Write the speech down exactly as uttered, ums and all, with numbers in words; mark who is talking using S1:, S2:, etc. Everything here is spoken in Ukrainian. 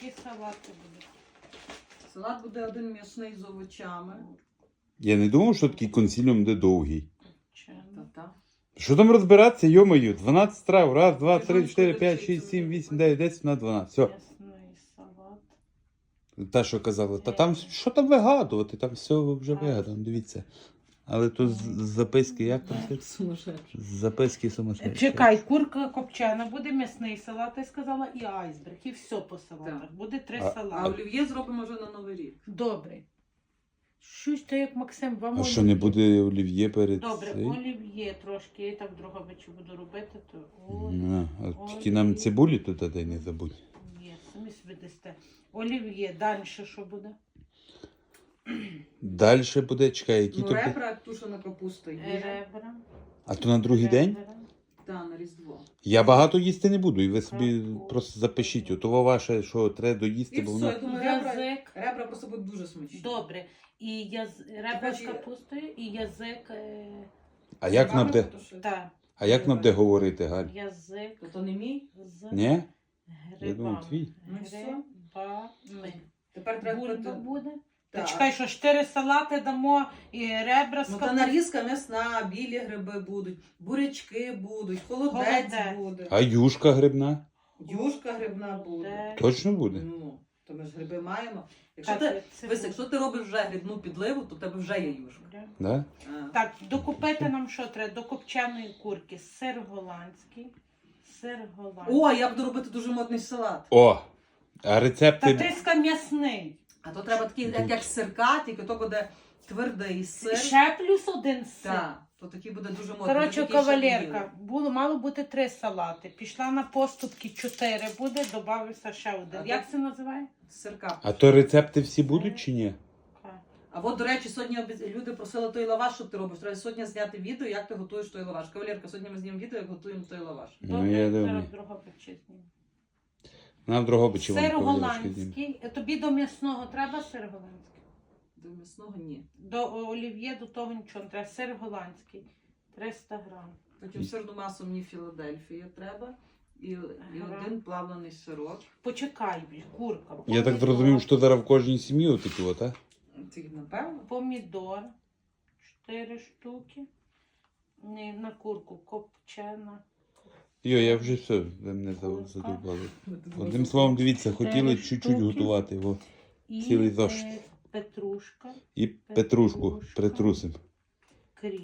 S1: І салати будуть.
S2: Салат буде один м'ясний з овочами.
S3: Я не думав, що такий консиліум буде довгий.
S1: Чим?
S2: Та-та.
S3: Що там розбиратися, йомаю? дванадцять страв. Раз, два,
S2: Ти
S3: три,
S2: знаєш,
S3: чотири,
S2: коли
S3: п'ять,
S2: всі
S3: шість,
S2: це
S3: сім,
S2: буде?
S3: вісім, дев'ять, десять, на дванадцять. Все.
S1: М'ясний салат.
S3: Та, що казали, та там, що там вигадувати? Там все вже вигадано, дивіться. Але тут з з записки, як там все?
S2: Сумасшедший.
S3: З записки сумасшедші.
S1: Чекай, курка копчена, буде м'ясний салат, я сказала, і айсберг, і все по салатах.
S2: Так.
S1: Буде три
S3: А-
S2: А
S1: салати.
S2: олів'є зробимо вже на Новий рік.
S1: Добре. Щось то як Максим, вам
S3: А що, не буде олів'є перед
S1: Добре,
S3: цим?
S1: олів'є трошки, я так в Дрогобичі буду робити, то
S3: А, а тільки нам цибулі туди дай не забудь.
S1: олів'є, самі собі дасте. Олів'є, далі що буде?
S3: Далі буде, чекай, які
S2: Ну,
S3: то...
S2: ребра, тушена капуста є.
S1: Ребра.
S3: А то на другий день?
S1: ребра.
S2: Та, на Різдво.
S3: Я багато їсти не буду, і ви собі
S1: Так.
S3: просто запишіть. Ото ваше, що треба доїсти,
S2: І
S3: бо
S2: все,
S3: воно...
S2: я думаю, ребра,
S1: Язик.
S2: ребра просто будуть дуже смачні.
S1: Добре. І яз... ребра з
S2: Хоч і-
S1: капустою, і язик. Е...
S3: А як нам буде,
S1: Так,
S3: а як нам буде говорити, Галь?
S1: язик
S2: То то не мій.
S1: з
S3: Ні?
S1: грибами.
S3: думав, твій.
S2: Ну, все.
S1: Грибами.
S2: Тепер треба...
S1: Бульба
S2: пити-
S1: буде? Та
S2: Так.
S1: чекай, що чотири салати дамо, і ребра з
S2: Ну, та
S1: капустою.
S2: нарізка м'ясна, білі гриби будуть, бурячки будуть, холодець,
S1: Холодець.
S2: буде,
S3: А юшка грибна?
S2: юшка грибна буде.
S3: Точно буде?
S2: Ну, то ми ж гриби маємо. Якщо
S1: Так,
S2: ти,
S1: це
S2: Вись,
S1: буде.
S2: якщо ти робиш вже грибну підливу, то в тебе вже є юшка.
S3: Да?
S2: А.
S1: Так, докупити нам що треба? До копченої курки сир голландський. Сир голландський.
S2: О, я буду робити дуже модний салат.
S3: О! А
S1: Та
S3: рецепти...
S1: тиска м'ясний.
S2: А то треба такий, як, як сирка, тільки то буде твердий сир.
S1: Ще плюс один сир.
S2: Так, то такий буде дуже модний.
S1: Коротше,
S2: такий, що
S1: кавалерка, було, мало бути три салати. Пішла на поступки чотири буде, додався ще один.
S2: А
S1: Як
S2: то-
S1: це називає?
S2: Сирка.
S3: А то рецепти всі будуть чи ні?
S2: А от, до речі, сьогодні обіц- люди просили той лаваш, що ти робиш. Треба сьогодні зняти відео, як ти готуєш той лаваш. Кавалерка, сьогодні ми знімемо відео, як готуємо той лаваш.
S3: Ну, я думаю.
S1: зараз другого знімемо.
S3: Нам в Дрогобичі вам
S1: Сир
S3: кавалерочки знімемо.
S1: голландський. Е, Тобі до м'ясного треба сир голландський?
S2: До м'ясного ні.
S1: До олів'є, до того нічого не треба. Сир голландський. триста грам.
S2: Потім сирну масу мені Філадельфія треба. І, і
S1: Ага.
S2: один плавлений сирок.
S1: Почекай, курка.
S3: Я так
S1: помідор,
S3: зрозумів, що зараз в кожній сім'ї отакі от, а?
S2: Це напевно.
S1: Помідор. Чотири штуки. Не, на курку копчена.
S3: Йо, я вже все, ви мене за- задовбали. Одним словом, дивіться, хотіли
S1: Чотири
S3: чуть-чуть
S1: штуки.
S3: готувати. О.
S1: І
S3: Цілий зошит.
S1: е, петрушка.
S3: І петрушку
S1: Петрушка.
S3: притрусимо.